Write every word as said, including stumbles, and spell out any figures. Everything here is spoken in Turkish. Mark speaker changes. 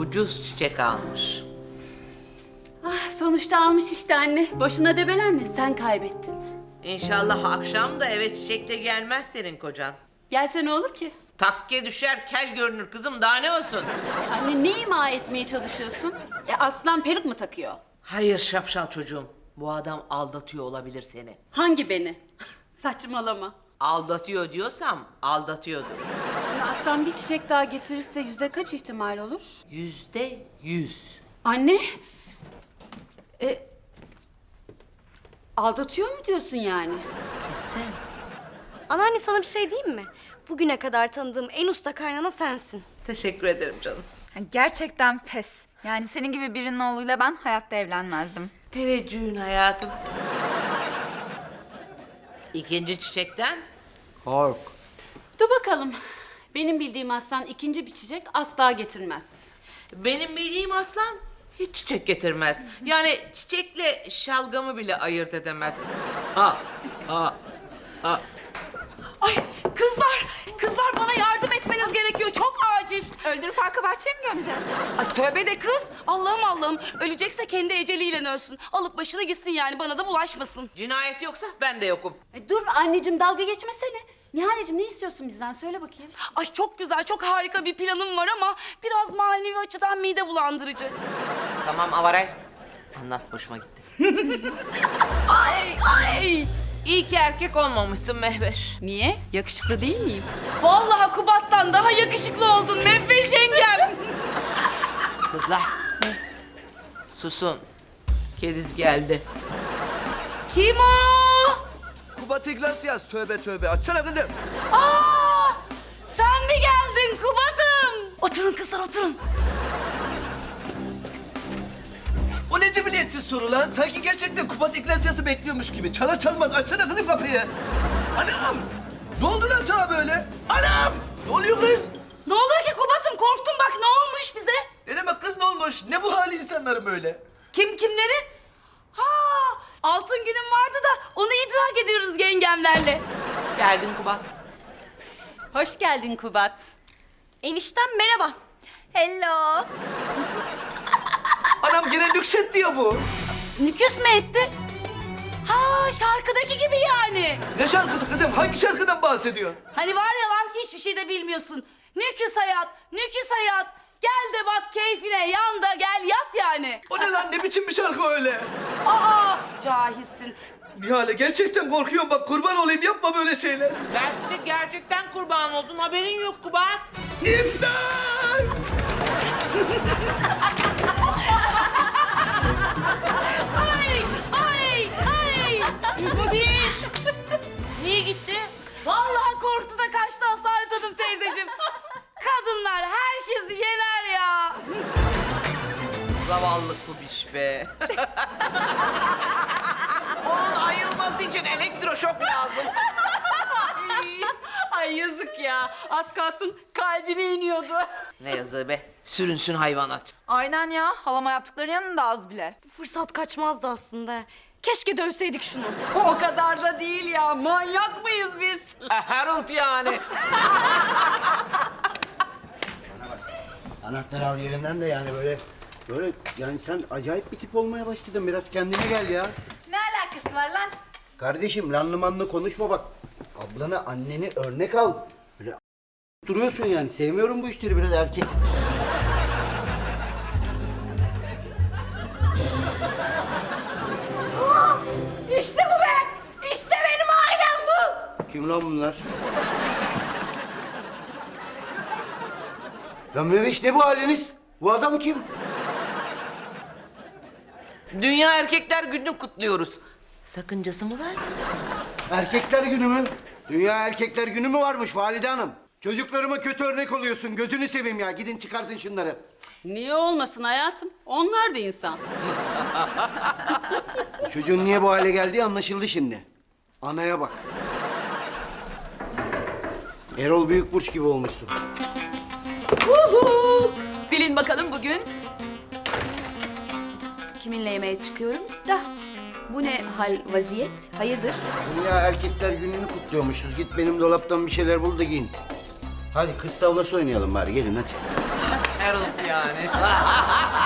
Speaker 1: ucuz çiçek almış.
Speaker 2: Ah, sonuçta almış işte anne. Boşuna debelenme, sen kaybettin.
Speaker 1: İnşallah akşam da eve çiçekle gelmez senin kocan.
Speaker 2: Gelse ne olur ki?
Speaker 1: Takke düşer, kel görünür kızım, daha ne olsun?
Speaker 2: Anne ne ima etmeye çalışıyorsun? E aslan peruk mu takıyor?
Speaker 1: Hayır şapşal çocuğum, bu adam aldatıyor olabilir seni.
Speaker 2: Hangi beni? Saçmalama.
Speaker 1: Aldatıyor diyorsam aldatıyordur.
Speaker 2: Şimdi aslan bir çiçek daha getirirse yüzde kaç ihtimal olur?
Speaker 1: Yüzde yüz.
Speaker 2: Anne. E, aldatıyor mu diyorsun yani?
Speaker 1: Kesin.
Speaker 3: Anneanne sana bir şey diyeyim mi? Bugüne kadar tanıdığım en usta kaynana sensin.
Speaker 1: Teşekkür ederim canım.
Speaker 4: Gerçekten pes. Yani senin gibi birinin oğluyla ben hayatta evlenmezdim.
Speaker 1: Teveccühün hayatım. İkinci çiçekten kork.
Speaker 2: Dur bakalım. Benim bildiğim aslan ikinci bir çiçek asla getirmez.
Speaker 1: Benim bildiğim aslan hiç çiçek getirmez. Yani çiçekle şalgamı bile ayırt edemez. Ha, ha, ha.
Speaker 5: Ay kızlar, kızlar bana yardım etmeniz gerekiyor. Çok acil.
Speaker 4: Öldürüp arka bahçeye mi gömeceğiz?
Speaker 5: Ay tövbe de kız. Allah'ım Allah'ım. Ölecekse kendi eceliyle ölsün. Alıp başına gitsin yani bana da bulaşmasın.
Speaker 1: Cinayet yoksa ben de yokum.
Speaker 2: E, dur anneciğim dalga geçmesene. Nihal'cim ne istiyorsun bizden söyle bakayım.
Speaker 5: Ay çok güzel, çok harika bir planım var ama biraz manevi açıdan mide bulandırıcı.
Speaker 1: Tamam Avaray. Anlat, hoşuma gitti.
Speaker 5: Ay ay.
Speaker 1: İyi ki erkek olmamışsın Mehveş.
Speaker 2: Niye? Yakışıklı değil miyim?
Speaker 5: Vallahi Kubat'tan daha yakışıklı oldun Mehveş yengem.
Speaker 1: Kızlar. Susun. Kediz geldi.
Speaker 5: Kim o?
Speaker 6: Kubat Iglesias, tövbe tövbe. Açsana kızım.
Speaker 5: Aa, sen mi geldin Kubat'ım? Oturun kızlar oturun.
Speaker 6: O ne cibiliyetsiz soru lan? Sanki gerçekten Kubat Iglesias'ı bekliyormuş gibi. Çalar çalmaz açsana kızım kapıyı. Anam! Ne oldu lan sana böyle? Anam! Ne oluyor kız?
Speaker 5: Ne oluyor ki Kubat'ım? Korktum bak ne olmuş bize?
Speaker 6: Ne demek kız ne olmuş? Ne bu hali insanların böyle?
Speaker 5: Kim kimleri? Ha, altın günüm vardı da onu idrak ediyoruz yengemlerle.
Speaker 1: Geldin Kubat.
Speaker 2: Hoş geldin Kubat.
Speaker 3: Eniştem merhaba.
Speaker 4: Hello.
Speaker 6: Anam gene nüksetti ya bu.
Speaker 5: Nüküs mü etti? Ha, şarkıdaki gibi yani.
Speaker 6: Ne şarkısı kızım? Hangi şarkıdan bahsediyor?
Speaker 5: Hani var ya lan hiçbir şey de bilmiyorsun. Nüküs hayat, nüküs hayat. Gel de bak keyfine, yan da gel yat yani.
Speaker 6: O ne lan? Ne biçim bir şarkı öyle?
Speaker 5: Aa, cahilsin.
Speaker 6: Nihale gerçekten korkuyorum bak kurban olayım yapma böyle şeyler.
Speaker 1: Belki de gerçekten kurban oldun, haberin yok Kubat.
Speaker 6: İmdat!
Speaker 5: Ay, ay, ay.
Speaker 1: Kubiş! Niye gitti?
Speaker 5: Vallahi korktu da kaçtı Asalet Hanım teyzeciğim. Kadınlar herkesi yener ya.
Speaker 1: Zavallı Kubiş be. Onun ayılması için elektroşok lazım.
Speaker 2: Ay, ay yazık ya. Az kalsın kalbine iniyordu.
Speaker 1: Ne yazığı be. Sürünsün hayvanat.
Speaker 4: Aynen ya. Halama yaptıkları yanında az bile.
Speaker 3: Bu fırsat kaçmazdı aslında. Keşke dövseydik şunu.
Speaker 2: O kadar da değil ya. Manyak mıyız biz?
Speaker 1: Harold yani.
Speaker 7: Anahtarı al yerinden de yani böyle böyle yani sen acayip bir tip olmaya başladın. Biraz kendine gel ya.
Speaker 4: Ne alakası var lan?
Speaker 7: Kardeşim lanlı manlı konuşma bak. Ablanı anneni örnek al. Böyle duruyorsun yani. Sevmiyorum bu işleri biraz erkek.
Speaker 5: İşte bu be. İşte benim ailem bu.
Speaker 7: Kim lan bunlar? Lan Meveş ne bu haliniz? Bu adam kim?
Speaker 1: Dünya Erkekler Günü'nü kutluyoruz. Sakıncası mı var?
Speaker 7: Erkekler günü mü? Dünya Erkekler Günü mü varmış Valide Hanım? Çocuklarıma kötü örnek oluyorsun. Gözünü seveyim ya. Gidin çıkartın şunları.
Speaker 2: Niye olmasın hayatım? Onlar da insan.
Speaker 7: Çocuğun niye bu hale geldiği anlaşıldı şimdi. Anaya bak. Erol Büyükburç gibi olmuşsun.
Speaker 2: Uhu! Bilin bakalım bugün kiminle yemeğe çıkıyorum da bu ne hal vaziyet? Hayırdır?
Speaker 7: Dünya Erkekler Günü'nü kutluyormuşuz. Git benim dolaptan bir şeyler bul da giyin. Hadi kız tavlası oynayalım bari. Gelin hadi.
Speaker 1: Harold yani.